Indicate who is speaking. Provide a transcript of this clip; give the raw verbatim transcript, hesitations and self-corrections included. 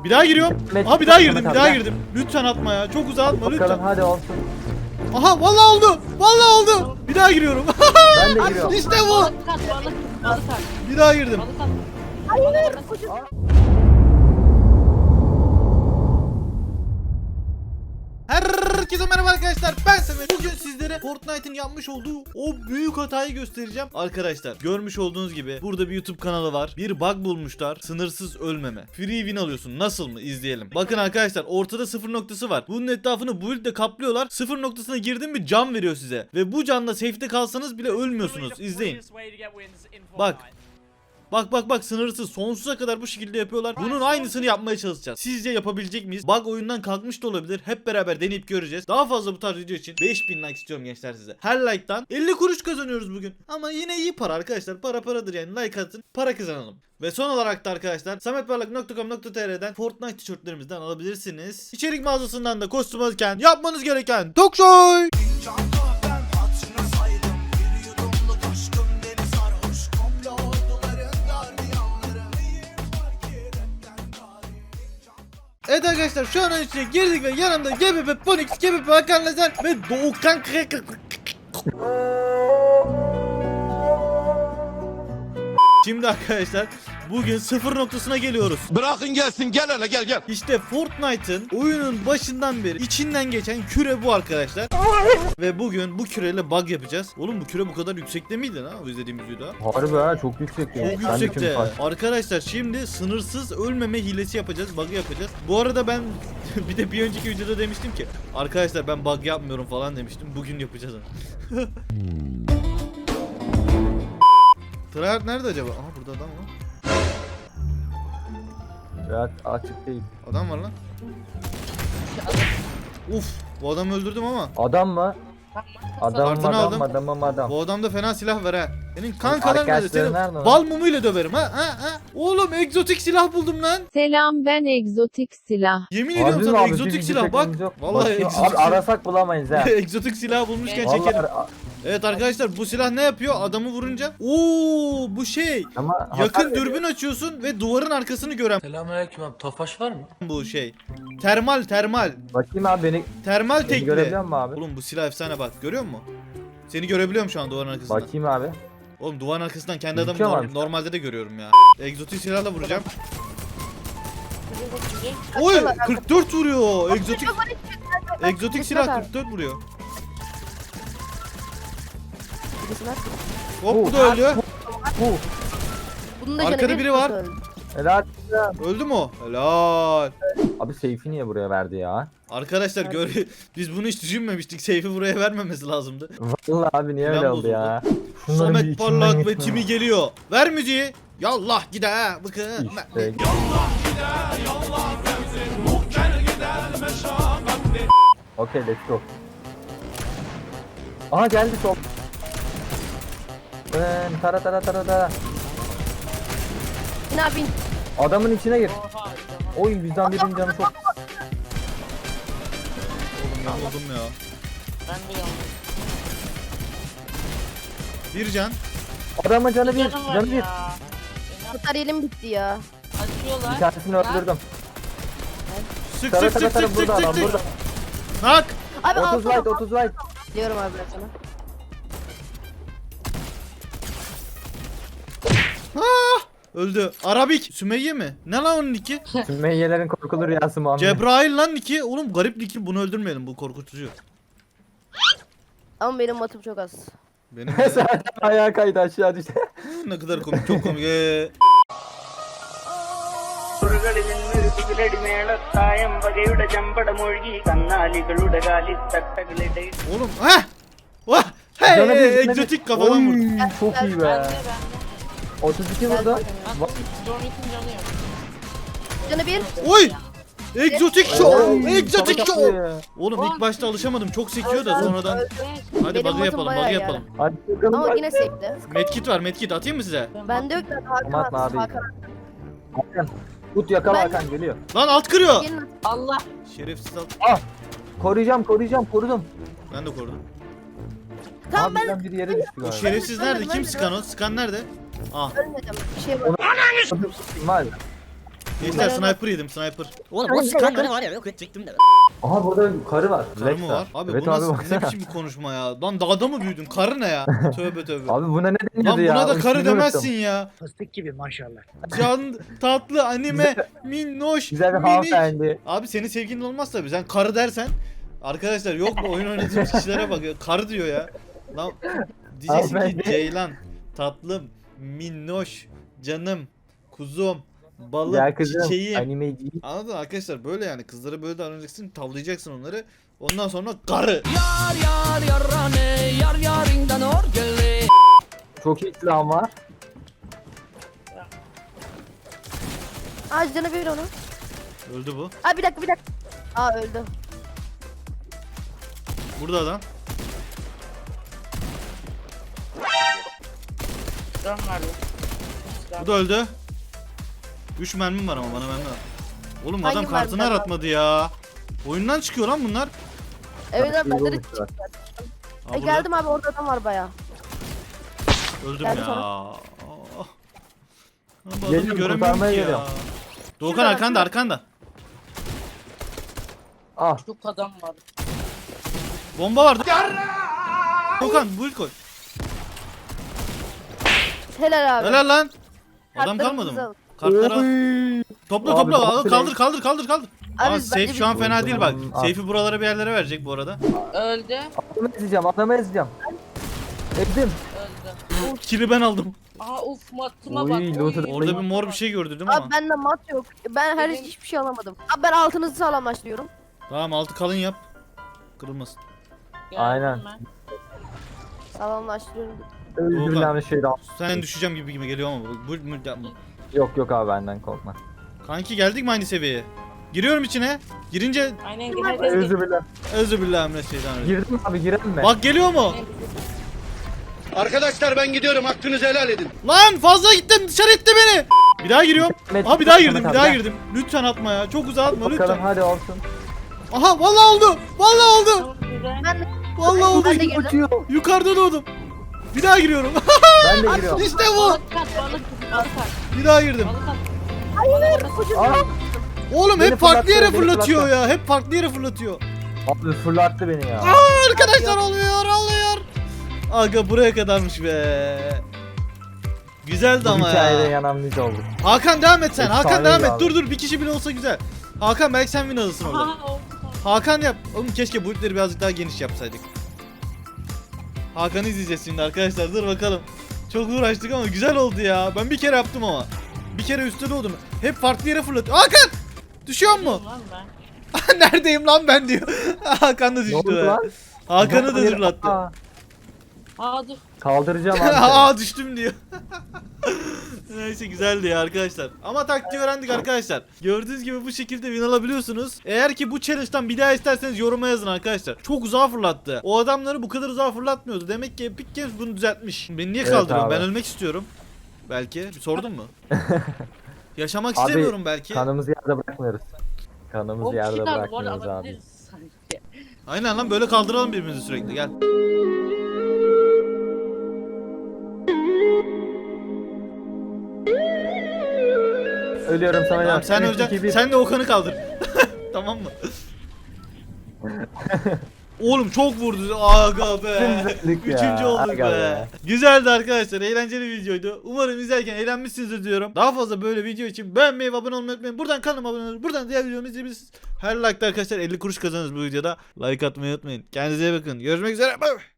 Speaker 1: Bir daha giriyorum.
Speaker 2: Met-
Speaker 1: Aha bir daha girdim,
Speaker 2: Met-
Speaker 1: bir daha
Speaker 2: Met-
Speaker 1: girdim. Lütfen atma ya. Çok uzağa atma
Speaker 2: Bakalım
Speaker 1: lütfen.
Speaker 2: hadi olsun.
Speaker 1: Aha vallahi oldu. Vallahi oldu. Bir daha giriyorum.
Speaker 2: Ben de giriyorum.
Speaker 1: İşte bu.
Speaker 3: Balık at, balık, balık at,
Speaker 1: Bir daha girdim.
Speaker 3: balık at.
Speaker 4: Hayır.
Speaker 1: Herkese merhaba arkadaşlar, ben Samet. Bugün sizlere Fortnite'ın yapmış olduğu o büyük hatayı göstereceğim. Arkadaşlar görmüş olduğunuz gibi burada bir YouTube kanalı var. Bir bug bulmuşlar, sınırsız ölmeme. Free win alıyorsun, nasıl mı? İzleyelim. Bakın arkadaşlar, ortada sıfır noktası var. Bunun etrafını build ile kaplıyorlar. Sıfır noktasına girdin mi can veriyor size. Ve bu canla safe'de kalsanız bile ölmüyorsunuz. İzleyin. Bak. Bak bak bak, sınırsız sonsuza kadar bu şekilde yapıyorlar. Bunun aynısını yapmaya çalışacağız. Sizce yapabilecek miyiz? Bug oyundan kalkmış da olabilir. Hep beraber deneyip göreceğiz. Daha fazla bu tarz video için beş bin like istiyorum gençler size. Her like'tan elli kuruş kazanıyoruz bugün. Ama yine iyi para arkadaşlar. Para paradır yani. Like atın, para kazanalım. Ve son olarak da arkadaşlar sametparlak nokta com nokta tr'den Fortnite tişörtlerimizden alabilirsiniz. İçerik mağazasından da kostüm alırken yapmanız gereken Toksoy. Evet arkadaşlar, şu an içine girdik ve yanımda G B P Ponix, G B P Hakan Lazer ve Doğukan Şimdi arkadaşlar bugün sıfır noktasına geliyoruz.
Speaker 5: Bırakın gelsin, gel hele gel gel.
Speaker 1: İşte Fortnite'ın oyunun başından beri içinden geçen küre bu arkadaşlar. Ve bugün bu küreyle bug yapacağız. Oğlum bu küre bu kadar yüksekte miydi ha o izlediğimiz videoda?
Speaker 2: Harbi ha, çok yüksek ya.
Speaker 1: Çok
Speaker 2: Ben de
Speaker 1: yüksekte.
Speaker 2: şimdi fark-
Speaker 1: Arkadaşlar şimdi sınırsız ölmeme hilesi yapacağız. Bug yapacağız. Bu arada ben bir de bir önceki videoda demiştim ki arkadaşlar ben bug yapmıyorum falan demiştim. Bugün yapacağız. Tryhard nerede acaba? Aha burada adam var.
Speaker 2: Biraz açık değil.
Speaker 1: Adam var lan. Uf, bu adamı öldürdüm ama.
Speaker 2: Adam mı? Adam
Speaker 1: Kartını
Speaker 2: adam
Speaker 1: aldım.
Speaker 2: adamım adam.
Speaker 1: Bu adamda fena silah var ha. Senin kankalar nerede?
Speaker 2: Arkadaşları
Speaker 1: Seni
Speaker 2: nerede lan?
Speaker 1: bal mumuyla döverim ha ha ha. Oğlum egzotik silah buldum lan.
Speaker 6: Selam, ben egzotik silah.
Speaker 1: Yemin
Speaker 2: Harbi
Speaker 1: ediyorum
Speaker 2: mi
Speaker 1: sana
Speaker 2: abi?
Speaker 1: egzotik
Speaker 2: Bizim
Speaker 1: silah bak.
Speaker 2: çekmemiz yok.
Speaker 1: Vallahi
Speaker 2: Bakayım,
Speaker 1: egzotik
Speaker 2: abi
Speaker 1: silah.
Speaker 2: arasak bulamayız ha.
Speaker 1: Egzotik silah bulmuşken
Speaker 2: Vallahi
Speaker 1: çekelim.
Speaker 2: ara-
Speaker 1: Evet arkadaşlar, bu silah ne yapıyor? Adamı vurunca. Oo, bu şey.
Speaker 2: ama
Speaker 1: Yakın
Speaker 2: hasar
Speaker 1: dürbün açıyorsun ve duvarın arkasını gören
Speaker 7: Selamünaleyküm abi. Tofaş var mı?
Speaker 1: bu şey. Termal termal.
Speaker 2: veriyor. Bakayım abi beni,
Speaker 1: Termal
Speaker 2: beni
Speaker 1: tekli.
Speaker 2: görebiliyor musun abi?
Speaker 1: Oğlum bu silah efsane bak. Görüyor musun? Seni görebiliyorum şu an duvarın arkasından.
Speaker 2: Bakayım abi.
Speaker 1: Oğlum duvarın arkasından kendi adamı
Speaker 2: Gözüküyor
Speaker 1: norm-
Speaker 2: mu?
Speaker 1: normalde de görüyorum ya. Egzotik silahla vuracağım. Oy kırk dört vuruyor. Egzotik Egzotik silah kırk dört vuruyor. Hop bu da öldü.
Speaker 2: Bu.
Speaker 4: Bunun da
Speaker 1: Arkada
Speaker 4: canı bir
Speaker 1: biri var.
Speaker 4: öldü.
Speaker 2: Helal.
Speaker 1: Öldü mü o? Helal.
Speaker 2: Abi seyfi niye buraya verdi ya?
Speaker 1: Arkadaşlar gör biz bunu hiç düşünmemiştik. Seyfi buraya vermemesi lazımdı.
Speaker 2: Vallahi abi niye öyle
Speaker 1: Plan
Speaker 2: oldu ya?
Speaker 1: bozuldu.
Speaker 2: Şunların bir
Speaker 1: Samet
Speaker 2: içinden
Speaker 1: Parlak ve
Speaker 2: geçmem.
Speaker 1: Timi geliyor. Ver müziği. Yallah gide ha. Bakın.
Speaker 2: İşte. Okey, let's go. Aha geldi sol. Ben tara tara tara tara.
Speaker 4: Ne yapayım?
Speaker 2: Adamın içine gir. Oy bizden birinin canı çok.
Speaker 1: Oğlum ben oldum ya.
Speaker 3: Ben de yok.
Speaker 1: Bir can.
Speaker 2: Adamın canı bir,
Speaker 3: Canım var
Speaker 2: canı bir.
Speaker 3: ya.
Speaker 4: Materyalim bitti ya.
Speaker 2: Bir
Speaker 3: Açıyorlar.
Speaker 2: tanesini öldürdüm.
Speaker 1: Sık
Speaker 2: Tara
Speaker 1: sık
Speaker 2: tara
Speaker 1: sık
Speaker 2: tara
Speaker 1: sık
Speaker 2: burada
Speaker 1: sık
Speaker 2: adam
Speaker 1: sık
Speaker 2: burada.
Speaker 1: sık. Nak.
Speaker 4: Abi
Speaker 2: otuz
Speaker 4: alsana.
Speaker 2: light otuz light.
Speaker 4: Diyorum abi ben sana.
Speaker 1: Ah! Öldü. Arabik. Sümeyye mi? Ne lan onun niki?
Speaker 2: Sümeyyelerin korkulu rüyası Muhammed.
Speaker 1: Cebrail lan niki. Oğlum garip niki. Bunu öldürmeyelim. Bu korkutucu.
Speaker 4: Ama benim matım çok az.
Speaker 1: Benim
Speaker 2: Zaten ayağa kaydı aşağı düştü.
Speaker 1: ne kadar komik. Çok komik. Ee, Oğlum. Heh. Vah. Hey,
Speaker 2: Canı bir,
Speaker 1: hey,
Speaker 2: canı bir.
Speaker 1: egzotik kafadan vurdu.
Speaker 2: Oy, çok iyi
Speaker 3: Ben
Speaker 2: be.
Speaker 3: de ben de.
Speaker 2: otuz iki vurdu.
Speaker 3: Bak Dormit'in canı yok.
Speaker 4: Canı bir.
Speaker 1: Oy. Egzotik show.
Speaker 2: Oy,
Speaker 1: Egzotik
Speaker 2: sana
Speaker 1: show.
Speaker 2: kapıyor.
Speaker 1: Oğlum ilk başta alışamadım. Çok sekiyor da sonradan.
Speaker 4: Öldü.
Speaker 1: Hadi
Speaker 4: Benim
Speaker 1: bug'ı
Speaker 4: matım
Speaker 1: yapalım.
Speaker 4: bayağı
Speaker 1: Bug'ı
Speaker 4: iyi
Speaker 1: yapalım.
Speaker 2: Hadi bakalım.
Speaker 4: Ama yine sekti.
Speaker 1: Medkit var. Medkit atayım mı size?
Speaker 4: Bende yok da Hakan
Speaker 2: Aman abi.
Speaker 4: Hakan.
Speaker 2: Hakan. Tut yakala
Speaker 4: Ben-
Speaker 2: Hakan geliyor.
Speaker 1: Lan alt kırıyor.
Speaker 4: Gelin.
Speaker 3: Allah.
Speaker 1: Şerefsiz alt.
Speaker 2: Koruyacağım koruyacağım korudum.
Speaker 1: Ben de korudum.
Speaker 4: Tamam ben
Speaker 2: Abiden bir yere düştü
Speaker 1: O
Speaker 2: galiba.
Speaker 1: şerefsiz nerede?
Speaker 4: ben
Speaker 1: Kim
Speaker 4: de-
Speaker 1: Skan o? Skan nerede? Ah.
Speaker 4: ölmedim. Bir şey var.
Speaker 2: Var.
Speaker 1: Gençler sniper yedim sniper.
Speaker 7: Oğlum o sıkan bana var ya yok edecektim de.
Speaker 2: Aha burada karı var.
Speaker 1: Karı mı
Speaker 2: Lexa.
Speaker 1: var? Abi
Speaker 2: evet
Speaker 1: bu
Speaker 2: abi
Speaker 1: nasıl ne
Speaker 2: baksana.
Speaker 1: biçim bir konuşma ya? Lan dağda mı büyüdün? Karı ne ya? Tövbe tövbe.
Speaker 2: Abi buna ne
Speaker 1: Lan
Speaker 2: deniyordu ya?
Speaker 1: buna da
Speaker 2: O
Speaker 1: karı
Speaker 2: ismini
Speaker 1: demezsin
Speaker 2: unuttum.
Speaker 1: ya.
Speaker 7: Fıstık gibi maşallah.
Speaker 1: Can tatlı anime minnoş
Speaker 2: Güzel bir
Speaker 1: minik.
Speaker 2: hanımefendi.
Speaker 1: Abi senin sevgilin olmaz tabii. Sen karı dersen arkadaşlar yok mu oyun oynadığımız kişilere bak ya. Karı diyor ya. Lan diyeceksin ki
Speaker 2: Hanımefendi.
Speaker 1: Ceylan tatlım minnoş canım kuzum balık
Speaker 2: Ya kızım
Speaker 1: çiçeğim.
Speaker 2: animeci.
Speaker 1: Anladın mı arkadaşlar böyle yani kızlara böyle davranacaksın tavlayacaksın onları ondan sonra karı.
Speaker 2: Çok iyi silahım var.
Speaker 4: Aa canı bir onu.
Speaker 1: Öldü bu.
Speaker 4: Aa bir dakika bir dakika. Aa öldü.
Speaker 1: Burada adam.
Speaker 3: Can verdi.
Speaker 1: Bu da öldü. üç mermim var ama bana mermi var. Oğlum
Speaker 4: Hangi
Speaker 1: adam kartını
Speaker 4: mermiler var?
Speaker 1: aratmadı ya. Oyundan çıkıyor lan bunlar.
Speaker 4: Evet abi bende de
Speaker 2: Yolmuş var.
Speaker 1: Aa,
Speaker 4: E,
Speaker 1: burada.
Speaker 4: geldim abi orada adam var baya.
Speaker 1: Öldüm
Speaker 4: Geldi
Speaker 1: ya.
Speaker 4: sana.
Speaker 1: Aa. Bu adamı
Speaker 2: Geliyorum,
Speaker 1: göremiyorum
Speaker 2: kurtarmaya
Speaker 1: ki ya.
Speaker 2: geliyorum.
Speaker 1: Doğukan
Speaker 4: Şurada,
Speaker 1: arkanda
Speaker 4: şurada.
Speaker 1: arkanda.
Speaker 2: Ah
Speaker 3: Çok adam var.
Speaker 1: Bomba vardı. Doğukan build koy.
Speaker 4: Helal abi.
Speaker 1: Helal lan. Adam
Speaker 4: Kartlarımızı
Speaker 1: kalmadı mı?
Speaker 4: al.
Speaker 1: Kartları al.
Speaker 2: Oy.
Speaker 1: Topla
Speaker 2: Abi,
Speaker 1: topla al,
Speaker 2: topla.
Speaker 1: kaldır kaldır kaldır kaldır.
Speaker 4: Abi
Speaker 1: Ama
Speaker 4: bence
Speaker 1: safe
Speaker 4: bir-
Speaker 1: şu an fena değil bak.
Speaker 2: Al.
Speaker 1: Safe'i buralara bir yerlere verecek bu arada.
Speaker 3: Öldü.
Speaker 2: Adamı ezeceğim adamı ezeceğim. Ezdim.
Speaker 3: Öldü.
Speaker 1: Kili ben aldım.
Speaker 3: Aa uf matıma
Speaker 2: Oy,
Speaker 3: bak.
Speaker 2: loot'u da-
Speaker 1: Orada bir mor bir şey gördü değil mi
Speaker 4: Abi
Speaker 1: ama?
Speaker 4: bende mat yok. Ben her
Speaker 3: Benim-
Speaker 4: hiçbir şey alamadım. Abi ben altınızı sağlamlaştırıyorum.
Speaker 1: Tamam altı kalın yap. Kırılmasın.
Speaker 3: Geldim
Speaker 2: Aynen.
Speaker 3: ben.
Speaker 4: Sağlamlaştırıyorum.
Speaker 2: Özür
Speaker 1: Doğukan.
Speaker 2: dilerim şeyden.
Speaker 1: Sen düşeceğim gibi gibi geliyor ama bu, bu, bu-
Speaker 2: Yok yok abi benden korkma.
Speaker 1: Kanki geldik mi aynı seviyeye? Giriyorum içine. Girince
Speaker 3: Aynen herkes
Speaker 2: Özür dilerim.
Speaker 1: özübillahimineşşeytanirracim.
Speaker 2: Girdim mi abi girelim mi?
Speaker 1: Bak geliyor mu?
Speaker 5: Arkadaşlar ben gidiyorum hakkınızı helal edin.
Speaker 1: Lan fazla gittin dışarı itti beni. Bir daha giriyorum.
Speaker 2: Mehmet,
Speaker 1: Aha bir daha
Speaker 2: Mehmet
Speaker 1: girdim bir
Speaker 2: abi,
Speaker 1: daha
Speaker 2: gel.
Speaker 1: girdim. Lütfen atma ya. Çok uzağa atma
Speaker 2: Bakalım
Speaker 1: lütfen.
Speaker 2: hadi olsun.
Speaker 1: Aha vallahi oldu. Vallahi oldu.
Speaker 3: Tamam, güzel.
Speaker 4: Ben de,
Speaker 1: Vallahi oldu.
Speaker 4: ben de girdim.
Speaker 2: Uçuyor.
Speaker 1: Yukarıda doğdum. Bir daha giriyorum.
Speaker 2: Ben de giriyorum.
Speaker 1: İşte bu.
Speaker 3: Balık kat balık balık kat.
Speaker 1: Bir daha girdim.
Speaker 3: Balık kat.
Speaker 4: Hayır ucuz.
Speaker 2: Aa,
Speaker 1: Oğlum
Speaker 2: Beni
Speaker 1: hep farklı yere
Speaker 2: fırlattı, beni
Speaker 1: fırlatıyor
Speaker 2: fırlattı.
Speaker 1: ya. Hep farklı yere fırlatıyor.
Speaker 2: abi fırlattı beni ya.
Speaker 1: Arkadaşlar oluyor oluyor. Aga buraya kadarmış be. Güzeldi
Speaker 2: Bu
Speaker 1: ama
Speaker 2: hikayede
Speaker 1: ya.
Speaker 2: yanan biz olduk.
Speaker 1: Hakan devam et sen. Hakan
Speaker 2: Efsaneydi
Speaker 1: devam et.
Speaker 2: abi.
Speaker 1: Dur dur bir kişi bile olsa güzel. Hakan belki sen win alırsın orada.
Speaker 3: Aha oldu.
Speaker 1: Hakan yap. Oğlum keşke bu ipleri birazcık daha geniş yapsaydık. Hakan'ı izleyeceğiz şimdi arkadaşlar. Dur bakalım. Çok uğraştık ama güzel oldu ya. Ben bir kere yaptım ama. Bir kere üstte doğdum. Hep farklı yere fırlatıyor. Hakan! Düşüyor mu?
Speaker 3: Lan ben.
Speaker 1: Neredeyim lan ben diyor. Hakan da
Speaker 2: Ne
Speaker 1: düştü.
Speaker 2: oldu
Speaker 1: be.
Speaker 2: lan?
Speaker 1: Hakan'ı da
Speaker 2: Hayır,
Speaker 1: zırlattı.
Speaker 2: aa,
Speaker 3: Aa dur.
Speaker 2: Kaldıracağım abi.
Speaker 1: Aa düştüm diyor. Neyse güzeldi ya arkadaşlar. Ama taktiği öğrendik arkadaşlar. Gördüğünüz gibi bu şekilde win alabiliyorsunuz. Eğer ki bu challenge'dan bir daha isterseniz yoruma yazın arkadaşlar. Çok uzağa fırlattı. O adamları bu kadar uzağa fırlatmıyordu. Demek ki Epic Games bunu düzeltmiş. Beni niye
Speaker 2: Evet
Speaker 1: kaldırıyorsun?
Speaker 2: abi.
Speaker 1: Ben ölmek istiyorum. Belki. Bir sordun mu? Yaşamak
Speaker 2: Abi,
Speaker 1: istemiyorum belki.
Speaker 2: Kanımızı yerde bırakmıyoruz. Kanımızı
Speaker 3: O
Speaker 2: yerde
Speaker 3: kişiler bu arada
Speaker 2: bırakmıyoruz abi.
Speaker 3: alabiliriz sanki.
Speaker 1: Aynen lan böyle kaldıralım birbirimizi sürekli. Gel.
Speaker 2: Ölüyorum sana
Speaker 1: Tamam
Speaker 2: ya.
Speaker 1: sen
Speaker 2: Üç,
Speaker 1: öleceksin.
Speaker 2: iki, bir.
Speaker 1: Sen de Okan'ı kaldır. Tamam mı? Oğlum çok vurdu. Aga be.
Speaker 2: Üçüncülük ya,
Speaker 1: Üçüncü olduk
Speaker 2: aga
Speaker 1: be.
Speaker 2: be.
Speaker 1: Güzeldi arkadaşlar. Eğlenceli bir videoydu. Umarım izlerken eğlenmişsinizdir diyorum. Daha fazla böyle video için beğenmeyi ve abone olmayı unutmayın. Buradan kanalıma abone olun. Buradan diğer videomu izleyebilirsiniz. Her like'da arkadaşlar elli kuruş kazanırız bu videoda. Like atmayı unutmayın. Kendinize iyi bakın. Görüşmek üzere. Bye.